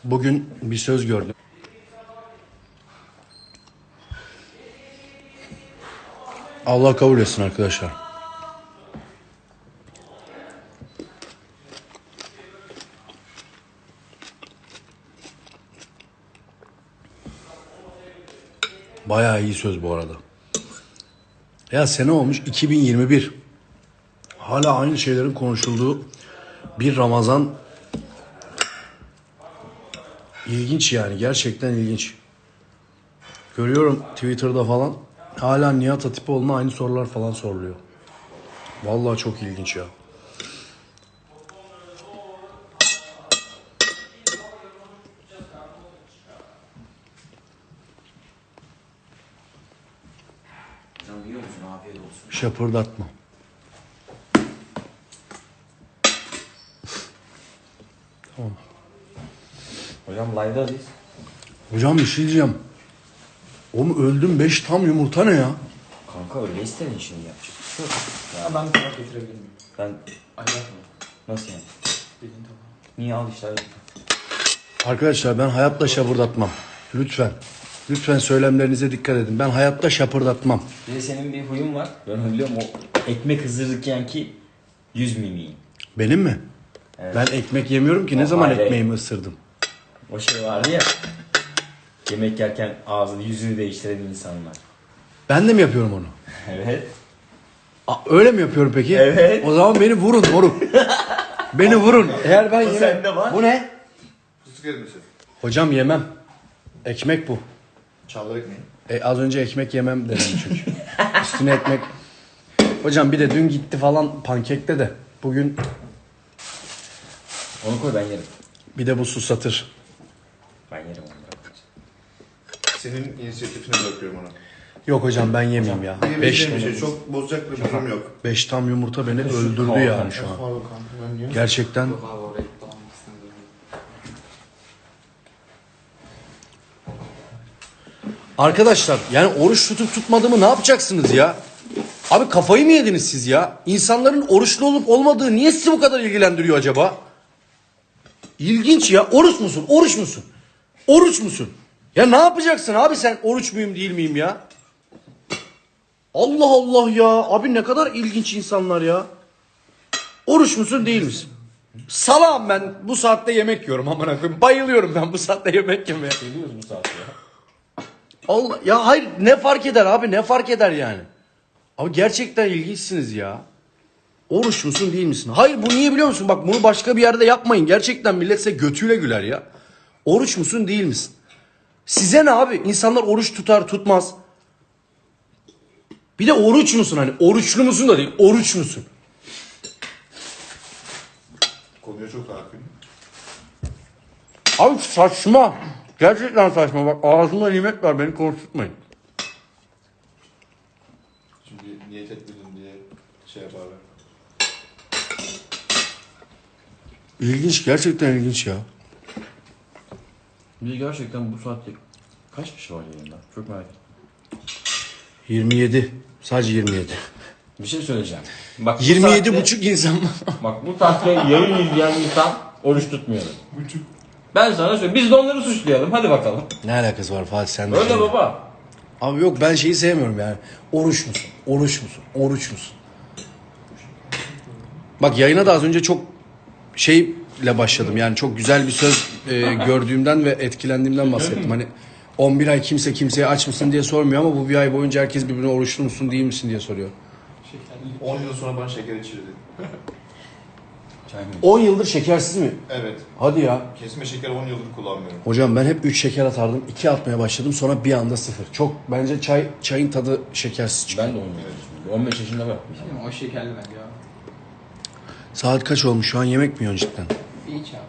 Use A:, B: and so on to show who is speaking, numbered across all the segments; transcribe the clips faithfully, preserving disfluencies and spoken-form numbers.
A: Bugün bir söz gördüm. Allah kabul etsin arkadaşlar. Bayağı iyi söz bu arada. Ya sene olmuş iki bin yirmi bir. Hala aynı şeylerin konuşulduğu bir Ramazan. İlginç yani, gerçekten ilginç. Görüyorum Twitter'da falan hala Nihat Hatipoğlu'na aynı sorular falan soruluyor. Vallahi çok ilginç ya.
B: Hocam yiyor musun? Afiyet olsun.
A: Şapırdatma. Tamam.
B: Hocam live'dayız.
A: Hocam bir şey diyeceğim. Oğlum öldüm, beş tam yumurta ne ya?
B: Kanka öyle istedin şimdi yapacak. Şu.
C: Ya ben bir tabak getirebilir miyim?
B: Ben
C: Ayak mı?
B: nasıl yani?
C: Dediğin tabağı.
B: Niye al işte?
A: Arkadaşlar ben hayatta şapırdatmam. Lütfen. Lütfen söylemlerinize dikkat edin. Ben hayatta şapırdatmam.
B: Bir de senin bir huyun var. Ben onu biliyorum, o ekmek ısırırken ki yüz mimiği.
A: Benim mi?
B: Evet.
A: Ben ekmek yemiyorum ki. Ne
B: O
A: zaman
B: ayrı.
A: ekmeğimi ısırdım?
B: O şey vardı ya. Yemek yerken ağzını yüzünü değiştiren insanlar.
A: Ben de mi yapıyorum onu?
B: Evet.
A: Aa, öyle mi yapıyorum peki?
B: Evet.
A: O zaman beni vurun moruk. Beni vurun. Eğer ben
B: O
A: yemem.
B: sende var.
A: Bu ne?
D: Fıstık ezmesi.
A: Hocam yemem. Ekmek bu.
D: Çavdar ekmeği.
A: E, az önce ekmek yemem dedim çünkü. Üstüne ekmek. Hocam bir de dün gitti falan pankekte de. Bugün
B: Onu koy, ben yerim.
A: bir de bu susatır.
B: Ben yerim onu.
D: Senin inisiyatifine bırakıyorum ona.
A: Yok hocam ben yemeyeyim ya. Beş,
D: Beş bir şey. Çok bozacak bir durum yok.
A: beş tam yumurta beni öldürdü
B: Tamam.
A: yani şu an.
C: Pardon kanka ben yiyorum.
A: Gerçekten
C: Yok abi oraya tamam istemiyorum.
A: arkadaşlar yani oruç tutup tutmadığımı ne yapacaksınız ya? Abi kafayı mı yediniz siz ya? İnsanların oruçlu olup olmadığı niye sizi bu kadar ilgilendiriyor acaba? İlginç ya. Oruç musun? Oruç musun? Oruç musun? Ya ne yapacaksın abi sen, oruç muyum değil miyim ya? Allah Allah ya. Abi ne kadar ilginç insanlar ya. Oruç musun değil misin? Salam, ben bu saatte yemek yiyorum amına koyayım. Bayılıyorum ben bu saatte yemek yemeye.
B: Geliyoruz bu saatte ya.
A: Allah ya, hayır ne fark eder abi, ne fark eder yani? Abi gerçekten ilginçsiniz ya. Oruç musun değil misin? Hayır, bu niye biliyor musun? Bak bunu başka bir yerde yapmayın. Gerçekten millet size götüyle güler ya. Oruç musun değil misin? Size ne abi? İnsanlar oruç tutar tutmaz. Bir de oruç musun, hani oruçlu musun da değil, oruç musun?
D: Konuya çok hakim.
A: Abi saçma. Gerçekten saçma. Bak ağzımda nimet var, beni konuşturmayın.
D: Çünkü niyet etmedim diye şey yaparlar.
A: İlginç, gerçekten ilginç ya.
B: Bir de gerçekten bu saatte kaç kişi var yayında? Çok merak ettim.
A: yirmi yedi. Sadece yirmi yedi.
B: Bir şey söyleyeceğim. Bak, bu
A: yirmi yedi
B: saatte-
A: buçuk insan var.
B: Bak bu saatte yayın izleyen insan oruç tutmuyor. Ben sana söyleyeyim. Biz de onları suçlayalım. Hadi bakalım.
A: Ne alakası var Fatih, sen de?
B: Öyle
A: şey-
B: baba.
A: Abi yok, ben şeyi sevmiyorum yani. Oruç musun? Oruç musun? Oruç musun? Bak yayına da az önce çok şeyle başladım. Yani çok güzel bir söz e, gördüğümden ve etkilendiğimden bahsettim. Hani on bir ay kimse kimseye aç mısın diye sormuyor ama bu bir ay boyunca herkes birbirine oruçlu musun değil misin diye soruyor.
D: on yıl sonra bana şeker içirdi.
A: on yıldır şekersiz mi?
D: Evet.
A: Hadi ya.
D: Kesme şeker on yıldır kullanmıyorum.
A: Hocam ben hep üç şeker atardım. iki atmaya başladım, sonra bir anda sıfır. Çok bence çay çayın tadı şekersiz çıkıyor.
B: Ben de on beş. on beş yaşında var.
C: Değil mi? O şekerli bence ya.
A: Saat kaç olmuş şu an, yemek mi yiyorsun cidden?
C: İyi çağır.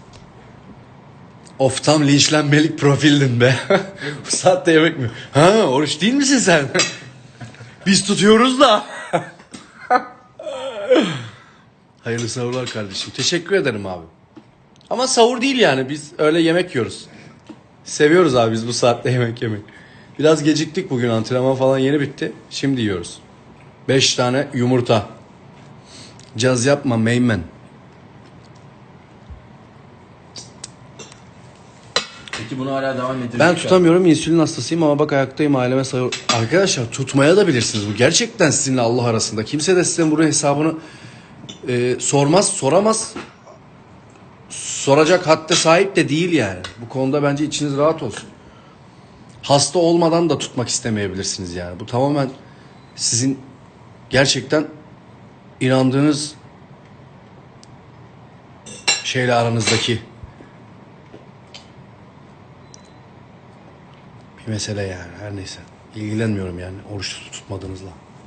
A: Of, tam linçlenmelik profildin be. Bu saatte yemek mi? Ha, oruç değil misin sen? Biz tutuyoruz da. Hayırlı sahurlar kardeşim. Teşekkür ederim abi. Ama sahur değil yani, biz öyle yemek yiyoruz. Seviyoruz abi biz bu saatte yemek yemeyi. Biraz geciktik bugün, antrenman falan yeni bitti. Şimdi yiyoruz. Beş tane yumurta. Caz yapma meymen.
B: Peki bunu hala devam ettirecek.
A: Ben tutamıyorum, insülin hastasıyım ama bak ayaktayım, aileme sayıyorum. Arkadaşlar tutmaya da bilirsiniz, bu gerçekten sizinle Allah arasında. Kimse de size bunun hesabını e, sormaz, soramaz. Soracak hadde sahip de değil yani. Bu konuda bence içiniz rahat olsun. Hasta olmadan da tutmak istemeyebilirsiniz yani. Bu tamamen sizin gerçekten inandığınız şeyle aranızdaki bir mesele yani, her neyse. İlgilenmiyorum yani oruç tutup tutmadığınızla.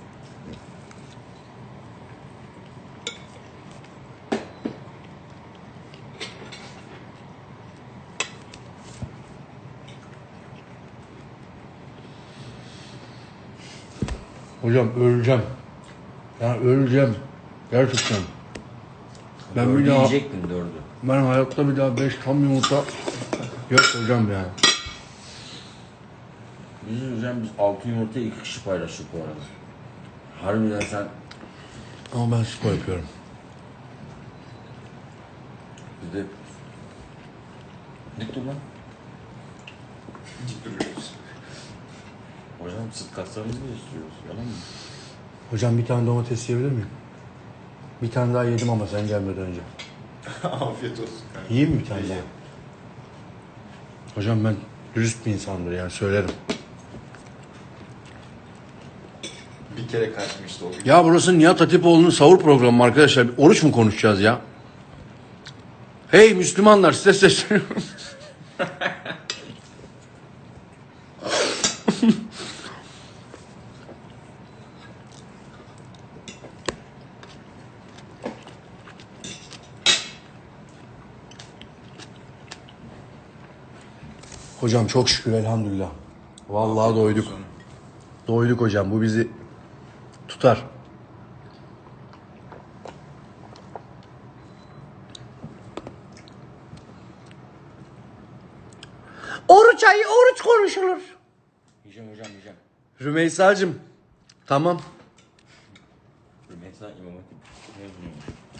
A: Hocam öleceğim. Ya öleceğim. Gerçekten. Ben
B: Dördü
A: bir daha,
B: yiyecektin dördü.
A: ben hayatta bir daha beş tam yumurta yok hocam yani.
B: Biz hocam biz altı yumurtayı iki kişi paylaştık bu arada. Harbiden sen
A: Ama ben spor yapıyorum.
B: bir de dik dur lan.
D: Dik duruyoruz.
B: Hocam sırt kaslarımızı da istiyoruz. Yalan mı?
A: Hocam bir tane domates yiyebilir miyim? Bir tane daha yedim ama sen gelmeden önce.
D: Afiyet olsun kanka.
A: Yiyeyim mi bir tane daha? Hocam ben dürüst bir insandır yani, söylerim.
D: Bir kere kaçmıştı o gün.
A: Ya burası Nihat Hatipoğlu'nun sahur programı arkadaşlar. Bir oruç mu konuşacağız ya? Hey Müslümanlar, size sesleniyorum. Hocam çok şükür elhamdülillah. Vallahi doyduk. Doyduk hocam, bu bizi tutar. Oruç ayı oruç konuşulur.
B: Yiyeceğim hocam yiyeceğim.
A: Rümeysa'cığım tamam.
B: Rümeysa İmam Hatip mezunuyum.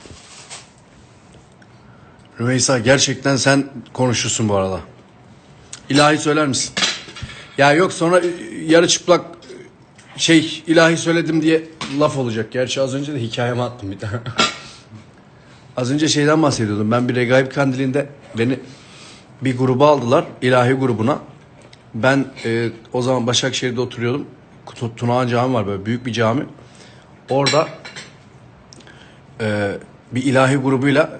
A: Rümeysa gerçekten sen konuşursun bu arada. İlahi söyler misin? Ya yok sonra yarı çıplak şey ilahi söyledim diye laf olacak. Gerçi az önce de hikayeme attım bir tane. Az önce şeyden bahsediyordum. Ben bir Regaib Kandili'nde beni bir gruba aldılar. İlahi grubuna. Ben e, o zaman Başakşehir'de oturuyordum. Tu- Tunağan Cami var, böyle büyük bir cami. Orada e, bir ilahi grubuyla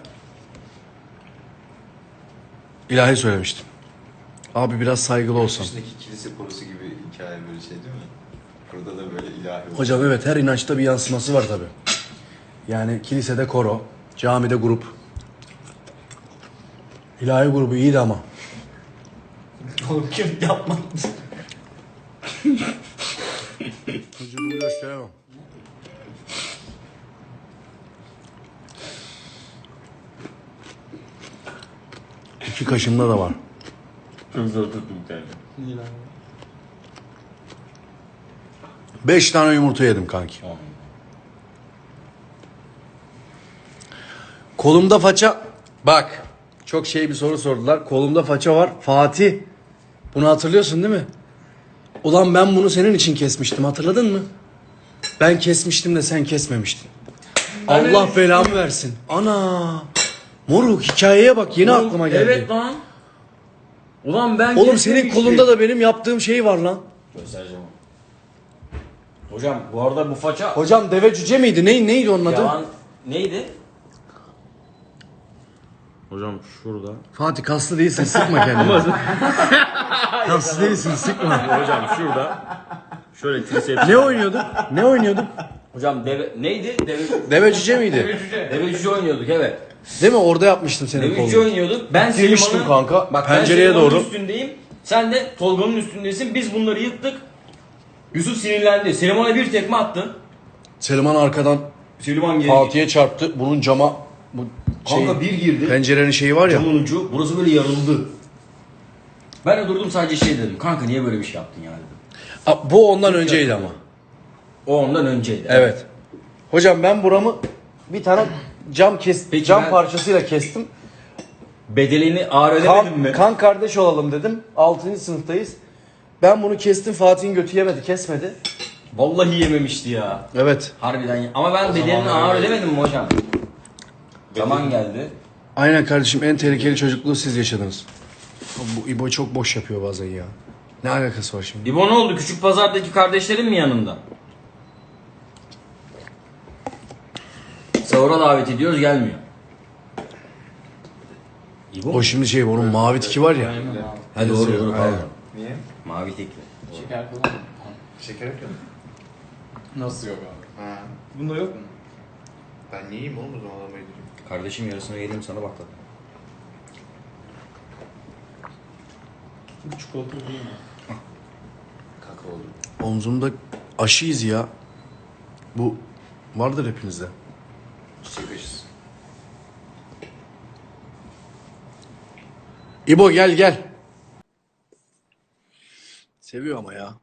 A: ilahi söylemiştim. Abi biraz saygılı olsam.
D: Üstündeki kilise korusu gibi hikaye böyle şey değil mi? Burada da böyle ilahi olsun.
A: Hocam evet, her inançta bir yansıması var tabi. Yani kilisede koro, camide grup. İlahi grubu iyiydi ama.
D: Oğlum kim yapmadı?
A: Vücudumu gösteremem. İki kaşımda da var.
B: Çok zor tuttum bir tane.
C: Niye lan?
A: Beş tane yumurta yedim kanki.
B: Tamam.
A: Kolumda faça... Bak, çok şey bir soru sordular. Kolumda faça var. Fatih, bunu hatırlıyorsun değil mi? Ulan ben bunu senin için kesmiştim, hatırladın mı? Ben kesmiştim de sen kesmemiştin. Allah belamı versin. Ana! Moruk, hikayeye bak, yeni
B: Oğlum,
A: aklıma geldi.
B: Evet lan. Ulan ben
A: Oğlum senin
B: kesmemiştim.
A: kolunda da benim yaptığım şey var lan.
B: Göstereceğim. Hocam bu arada bu faça
A: Hocam deve cüce miydi? Ney, neydi onun adı?
B: yalan neydi? Hocam şurada.
A: Fatih kaslı değilsin, sıkma kendini. Kaslı değilsin, sıkma.
B: Hocam şurada. Şöyle triceps.
A: Ne oynuyorduk? Ne oynuyorduk?
B: Hocam deve neydi? Deve
A: Deve cüce miydi?
B: deve cüce oynuyorduk evet.
A: Değil mi? Orada yapmıştım senin
B: Deve cüce
A: kolunu.
B: oynuyorduk. Ben
A: Girmiştim
B: Seliman'ın
A: kanka,
B: Bak
A: pencereye
B: ben Seliman'ın
A: doğru.
B: üstündeyim. Sen de Tolga'nın üstündesin. Biz bunları yıktık. Yusuf sinirlendi. Seliman'a bir tekme attın.
A: Selman arkadan
B: Seliman geri.
A: Fatih'e çarptı. Bunun cama... Bu şey,
B: Kanka bir girdi.
A: pencerenin şeyi var ya.
B: Camın ucu. Burası böyle yarıldı. Ben de durdum sadece şey dedim. Kanka niye böyle bir şey yaptın ya dedim.
A: Aa, bu ondan önceydi ama.
B: O ondan önceydi.
A: Evet. Hocam ben buramı bir tane cam kes
B: Peki
A: cam
B: ben-
A: parçasıyla kestim.
B: Bedelini ağır ödemedin
A: Kan,
B: mi?
A: kan kardeş olalım dedim. altıncı sınıftayız. Ben bunu kestim, Fatih'in götü yemedi, kesmedi.
B: Vallahi yememişti ya.
A: Evet.
B: Harbiden ye- Ama ben bedelini ağır ödemedim mi hocam? Zaman geldi.
A: Aynen kardeşim, en tehlikeli çocukluğu siz yaşadınız. Bu İbo çok boş yapıyor bazen ya. Ne alakası var şimdi?
B: İbo ne oldu? Küçük pazardaki kardeşlerin mi yanında? Sahura davet ediyoruz, gelmiyor. İbo mu?
A: O şimdi şey, onun mavi tiki var ya.
C: Aynen abi.
B: Ha doğru doğru
A: Aynen.
B: pardon.
D: Niye?
B: Mavi tekli.
C: Şeker falan mı? Tamam.
D: Şeker yok mu?
C: Nasıl yok abi?
D: Ha.
C: Bunda yok mu?
D: Ben niye yiyeyim oğlum o zaman adama yedireyim.
B: Kardeşim yarısını yedim sana bak tabii.
C: Bu çikolata değil mi?
D: Kakaolu.
A: Omzumda aşıyız ya. Bu vardır hepinizde.
D: Çiçek aşısı.
A: İbo gel gel. Seviyor ama ya.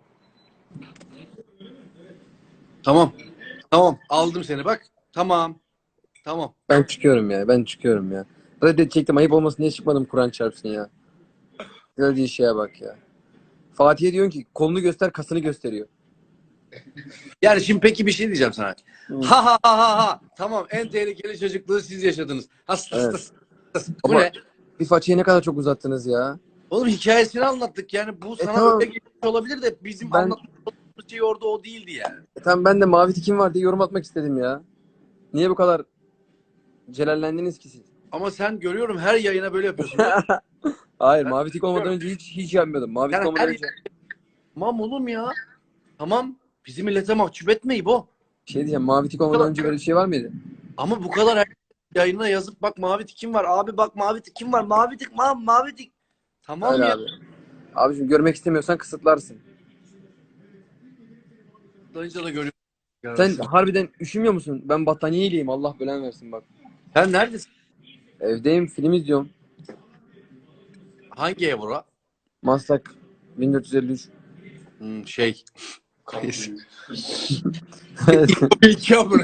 A: Tamam. Tamam. Aldım seni bak. Tamam. Tamam.
E: Ben çıkıyorum ya. Ben çıkıyorum ya. Reddedecektim. Ayıp olmasın diye çıkmadım, Kur'an çarpsın ya. Gördüğü şeye bak ya. Fatih'e diyorsun ki kolunu göster, kasını gösteriyor.
A: Yani şimdi peki bir şey diyeceğim sana. Ha ha ha ha ha. Tamam, en tehlikeli çocukluğu siz yaşadınız. Has, has,
E: Evet.
A: has, has. Bu
E: Ama-
A: ne?
E: Bir façayı ne kadar çok uzattınız ya.
A: Oğlum hikayesini anlattık yani, bu sana
E: tamam.
A: öyle geçmiş olabilir de bizim
E: Ben-
A: anlattığımız şey orada o değildi yani.
E: E tamam, ben de mavi tikim var diye yorum atmak istedim ya. Niye bu kadar celallendiniz ki siz?
A: Ama sen görüyorum her yayına böyle yapıyorsun.
E: Hayır, mavi tik olmadan önce hiç hiç yapmıyordum. Mavi tik
A: Yani
E: olmadan
A: her-
E: önce
A: Tamam oğlum ya. Tamam. Bizi millete mahcup etme İbo.
E: bir şey diyeceğim. Mavi tik olmadan önce böyle bir şey var mıydı?
A: Ama bu kadar her yayına yazıp bak mavi tikim var. Abi bak mavi tikim var. Mavi tik, ma mavi tik. Tamam
E: Öyle
A: ya.
E: abi. Abiciğim, görmek istemiyorsan kısıtlarsın.
A: Kısıtlayınca da görüyorum.
E: Sen harbiden üşümüyor musun? Ben battaniyeliyim. Allah belanı versin bak.
A: Sen neredesin?
E: Evdeyim, film izliyorum.
A: Hangi ev bura?
E: Maslak bin dört yüz elli üç.
A: Hmm, şey. İki amına.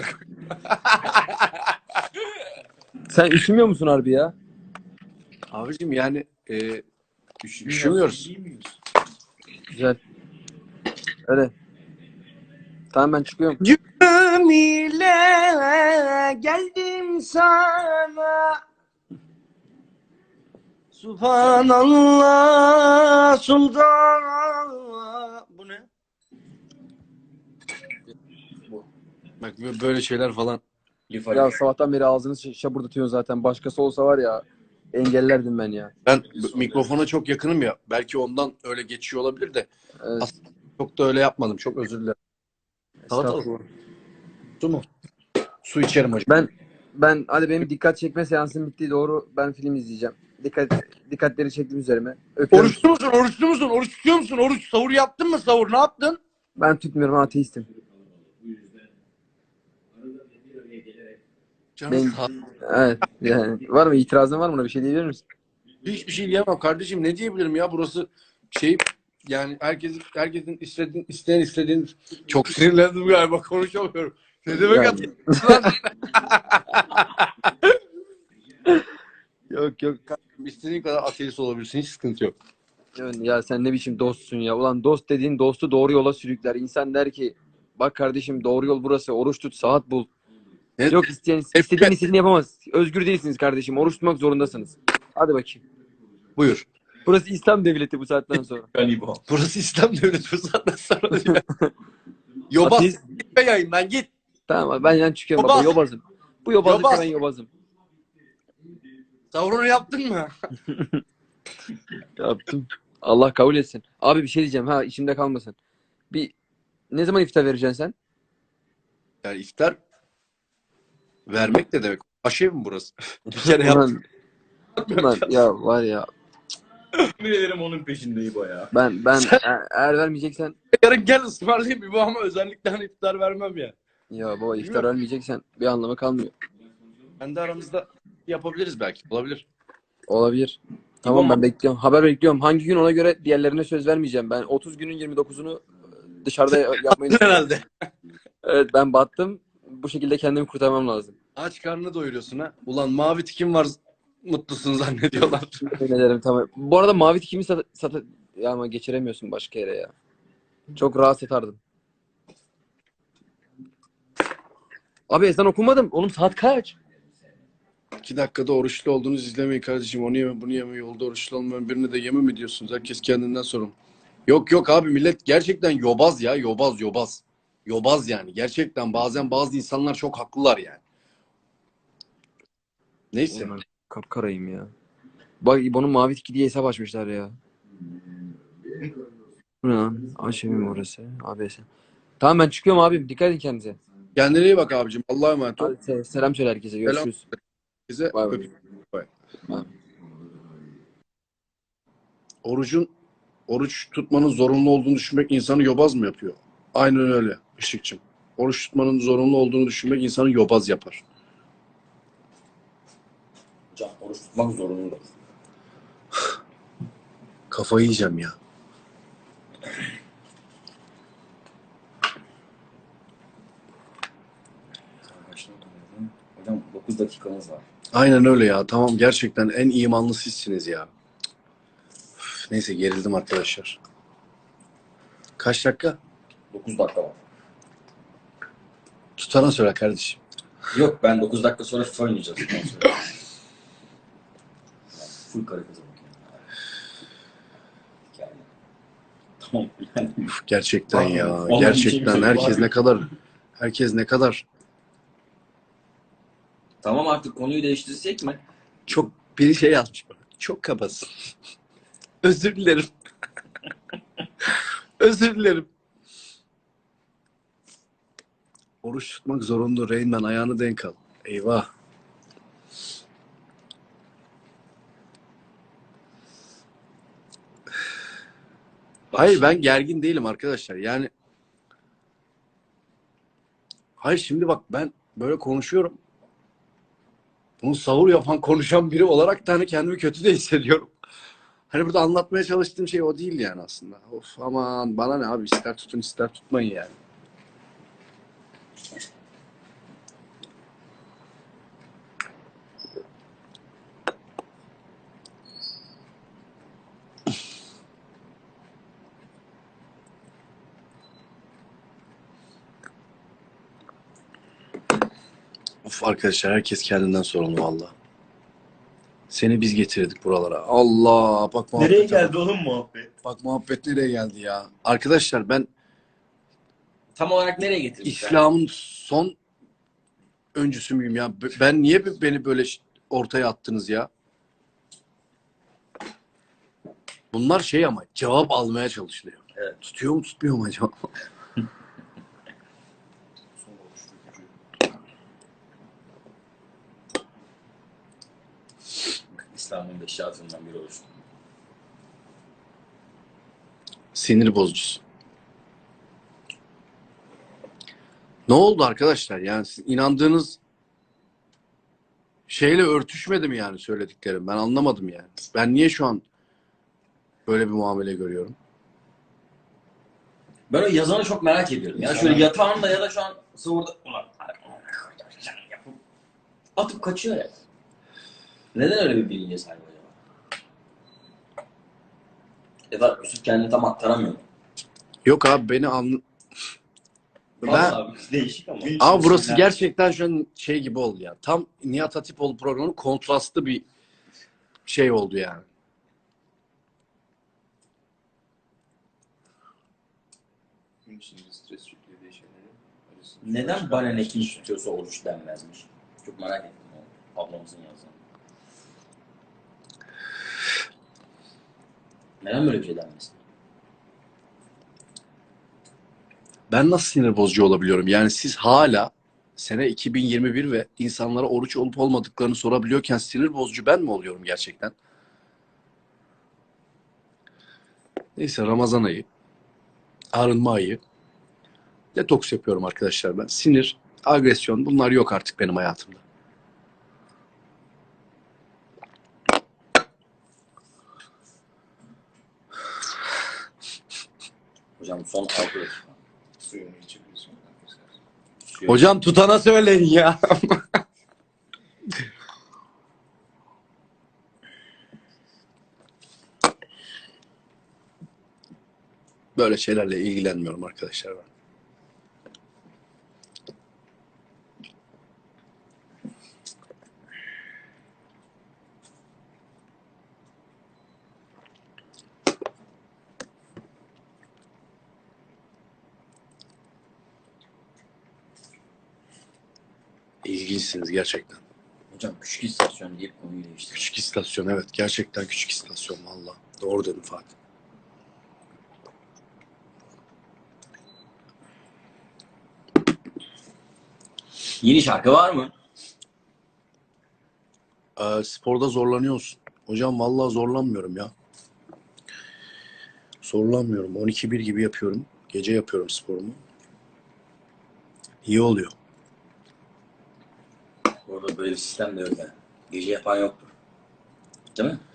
E: Sen üşümüyor musun harbi ya?
A: Abicim yani e, üş- üşümüyoruz.
E: Güzel. Öyle. Tamam, ben çıkıyorum.
A: Gönlüm ile geldim sana. Subhanallah sultan. Bu ne? Bu. Bak böyle şeyler falan.
B: Lif Ali.
E: Ya sabahtan beri ağzını ş- şapırdatıyorsun zaten. Başkası olsa var ya, engellerdim ben ya.
A: Ben b- mikrofona çok yakınım ya. Belki ondan öyle geçiyor olabilir de.
E: Evet.
A: Çok da öyle yapmadım. Çok özür dilerim. Salatalık.
E: Estağfurullah.
A: Su mu? Su içerim hocam.
E: Ben ben hadi, benim dikkat çekme seansım bitti, doğru. Ben film izleyeceğim. Dikkat dikkatleri çektim üzerime. Öpüyorum.
A: Oruçlu musun? Oruçlu musun? Oruç tutuyor musun? Oruç sahur yaptın mı? Sahur ne yaptın?
E: Ben tutmuyorum, ateistim.
A: Canım
E: Ben-
A: sağ-
E: Evet. Yani var mı itirazın, var mı, buna bir şey diyebilir misin?
A: Hiçbir şey diyemem kardeşim. Ne diyebilirim ya? Burası şey, yani herkesin herkesin istediğin isteyen istediğin, çok sinirlendim galiba, konuşamıyorum. Ne demek
E: Yani-
A: atıyorsun?
E: Yok yok.
A: İstediğin kadar ateist olabilirsin. Hiç sıkıntı yok.
E: Yani ya sen ne biçim dostsun ya. Ulan dost dediğin dostu doğru yola sürükler. İnsan der ki bak kardeşim, doğru yol burası. Oruç tut, saat bul.
A: Evet.
E: Yok, isteyen istediğin istediğini yapamaz. Özgür değilsiniz kardeşim. Oruç tutmak zorundasınız. Hadi bakayım.
A: Buyur.
E: Burası İslam devleti bu saatten sonra.
B: Ben İbo.
A: Burası İslam devleti, bu saatten sonra diyor. Yobaz.
E: Ateist-
A: Gitme yayından git.
E: Tamam abi, ben yani çıkıyorum
A: Yobaz.
E: baba, yobazım. Bu yobazlıkta
A: Yobaz.
E: ben yobazım.
A: Sahurunu yaptın mı?
E: Yaptım. Allah kabul etsin. Abi bir şey diyeceğim, ha içimde kalmasın. Bir ne zaman iftar vereceksin sen?
A: Yani iftar vermek de demek. Aşev mi burası? Bir kere yaptım.
E: Ulan, ulan ya var ya,
B: Yemin ederim onun peşinde İbo ya.
E: ben ben e- eğer vermeyeceksen,
A: Yarın gel ısmarlayayım bir bu, ama özellikle hani iftar vermem ya.
E: ya baba iftar vermeyeceksen bir anlamı kalmıyor.
A: Kendi aramızda yapabiliriz belki. Olabilir.
E: Olabilir. Tamam,
B: İbo
E: ben bekliyorum. Haber bekliyorum. Hangi gün, ona göre diğerlerine söz vermeyeceğim. Ben otuz günün yirmi dokuzunu dışarıda yapmayı düşünüyorum.
A: Herhalde.
E: Evet, ben battım. Bu şekilde kendimi kurtarmam lazım.
A: Aç karnını doyuruyorsun ha. Ulan mavi tikim var. mutlusun zannediyorlar.
E: Yemin ederim tamam. Bu arada mavi tikimi sat, sat ya ama geçiremiyorsun başka yere ya. Çok rahat satardım. Abi ezan okumadım. Oğlum saat kaç?
A: İki dakikada oruçlu olduğunuz izlemeyin kardeşim. Onu yeme bunu yeme, yolda oruçlu olmayan birine de yeme mi diyorsunuz? Herkes kendinden sorun. Yok yok abi, millet gerçekten yobaz ya, yobaz yobaz. Yobaz yani gerçekten, bazen bazı insanlar çok haklılar yani. Neyse.
E: Oğlum ben kapkarayım ya. Bak İbo'nun mavi tiki diye hesap açmışlar ya. Bu ne lan? Aşemim orası. A B S. Tamam ben çıkıyorum abim. Dikkat edin kendinize.
A: Kendine iyi bak abicim. Allah'a emanet ol.
E: Hadi se- selam söyle herkese. Görüşürüz.
A: Herkese
E: Bay bay.
A: öpüyorum. Bay.
E: Bay.
A: Orucun oruç tutmanın zorunlu olduğunu düşünmek insanı yobaz mı yapıyor? Aynen öyle Işıkçım. Oruç tutmanın zorunlu olduğunu düşünmek insanı yobaz yapar.
B: Hocam oruç tutmak zorunda.
A: Kafayı yiyeceğim ya.
B: Hocam dokuz dakikamız var.
A: Aynen öyle ya. Tamam, gerçekten en imanlı sizsiniz ya. Üf, neyse, gerildim arkadaşlar. Kaç dakika?
B: dokuz dakika var.
A: Tutana söyle kardeşim.
B: Yok ben dokuz dakika sonra FIFA oynayacağız. ondan sonra. Yani full karı kızı bakıyorum. Yani. Tamam yani.
A: Üf, gerçekten ya.
B: Vallahi
A: Gerçekten
B: bir şey
A: herkes
B: var.
A: ne kadar herkes ne kadar
B: Tamam artık konuyu değiştirsek mi?
A: çok bir şey yazmış bana. Çok kabasın. Özür dilerim. Özür dilerim. Oruç tutmak zorunlu Reynmen, ayağını denk al. Eyvah. Hayır, ben gergin değilim arkadaşlar. Yani hayır, şimdi bak, ben böyle konuşuyorum. Bunu sahur yapan, konuşan biri olarak da hani kendimi kötü de hissediyorum. Hani burada anlatmaya çalıştığım şey o değil yani aslında. Of aman, bana ne abi, ister tutun ister tutmayın yani. Of arkadaşlar, herkes kendinden sorumlu valla. Seni biz getirdik buralara. Allah, bak muhabbete
B: Nereye
A: bak.
B: geldi oğlum muhabbet?
A: Bak muhabbet nereye geldi ya. Arkadaşlar, ben
B: Tam olarak nereye getirmişler?
A: İslam'ın son öncüsü müyüm ya? B- Ben niye b- beni böyle ş- ortaya attınız ya? Bunlar şey ama cevap almaya çalışılıyor.
B: Evet.
A: Tutuyor mu tutmuyor mu acaba?
B: İslam'ın beş şartından biri oluştu.
A: Sinir bozucusu. Ne oldu arkadaşlar? Yani siz inandığınız şeyle örtüşmedi mi yani söylediklerim? Ben anlamadım yani. Ben niye şu an böyle bir muamele görüyorum?
B: Ben o yazanı çok merak ediyorum. Ya şöyle yatağında ya da şu an sahurda ulan yapıp atıp kaçıyor ya. Neden öyle bir bilince sahip acaba? Ya da Yusuf kendini tam aktaramıyor.
A: Yok abi, beni anla... Ben...
B: Vallahi değişik ama.
A: Ama burası gerçekten şu an şey gibi oldu ya. Tam Nihat Hatipoğlu programının kontrastlı bir şey oldu yani.
D: Gün içinde stres yüklediği şeyleri arasında
B: Neden bana ne kim tutuyorsa oruç denmezmiş? Çok merak ettim o ablamızın yazdığını. Neden böyle bir şey denmesin?
A: Ben nasıl sinir bozucu olabiliyorum? Yani siz hala sene iki bin yirmi bir ve insanlara oruç olup olmadıklarını sorabiliyorken sinir bozucu ben mi oluyorum gerçekten? Neyse, Ramazan ayı, arınma ayı. Detoks yapıyorum arkadaşlar ben. Sinir, agresyon, bunlar yok artık benim hayatımda.
B: Hocam son altı dakika.
D: suyunu içebiliyorsun arkadaşlar.
B: Suyu-
A: Hocam tutana söyleyin ya. Böyle şeylerle ilgilenmiyorum arkadaşlar ben. İlginçsiniz gerçekten.
B: Hocam küçük istasyon deyip konuyu değiştir.
A: Küçük istasyon, evet, gerçekten küçük istasyon valla. Doğru dedin Fatih.
B: Yeni şarkı var mı?
A: Ee, sporda zorlanıyorsun. Hocam vallahi zorlanmıyorum ya. Zorlanmıyorum. on iki bir gibi yapıyorum. Gece yapıyorum sporumu. İyi oluyor.
B: Orada böyle bir sistem de yok yani. Gece yapan yoktur. Değil mi?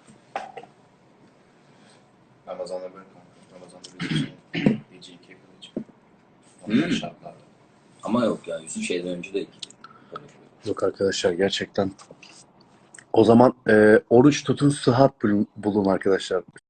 C: Ramazan'da böyle kanka. Ramazan'da bir gece, gece ikiye kadar çıkıyor. Onlar
B: Hmm.
C: şartlarda.
B: Ama yok ya Yusuf şeyden önce de iki.
A: Yok arkadaşlar gerçekten. O zaman e, oruç tutun, sıhhat bulun, bulun arkadaşlar.